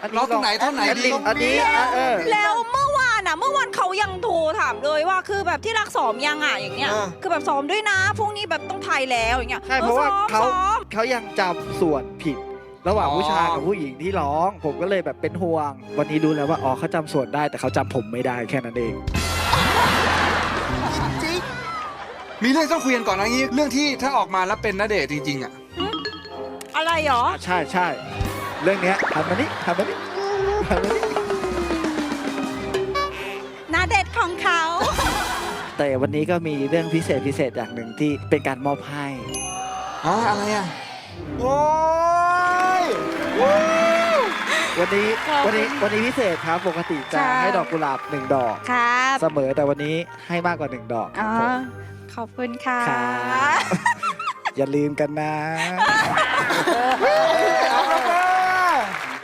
ร้องตรงไหนท่อนไหนดีอันนี้แล้วเมื่อวานเขายังโทรถามเลยว่าคือแบบที่รักซ้อมยังอ่ะอย่างเงี้ยคือแบบซ้อมด้วยนะพรุ่งนี้แบบต้องไทยแล้วอย่างเงี้ยใช่เพราะว่าซ้อมเขายังจำส่วนผิด ระหว่างผู้ชายกับผู้หญิงที่ร้อง ผมก็เลยแบบเป็นห่วง วันนี้รู้แล้วว่าอ๋อเขาจำส่วนได้แต่เขาจำผมไม่ได้แค่นั้นเองจริงมีเรื่องต้องคุยกันก่อนนะงี้เรื่องที่ถ้าออกมาแล้วเป็นณเดชน์จริงๆอ่ะอะไรหรอใช่ใช่เรื่องเนี้ยทำมานี่ทำมานี่ทำมานี่หน้าเด็ดของเขาแต่วันนี้ก็มีเรื่องพิเศษอย่างหนึ่งที่เป็นการมอบให้อะไรอ่ะโอ้ยวันนี้พิเศษครับปกติจะค่ะให้ดอกกุหลาบ1 ดอกครับเสมอแต่วันนี้ให้มากกว่า1 ดอกคอ๋รับอผมขอบคุณค่ะครับ อย่าลืมกันนะ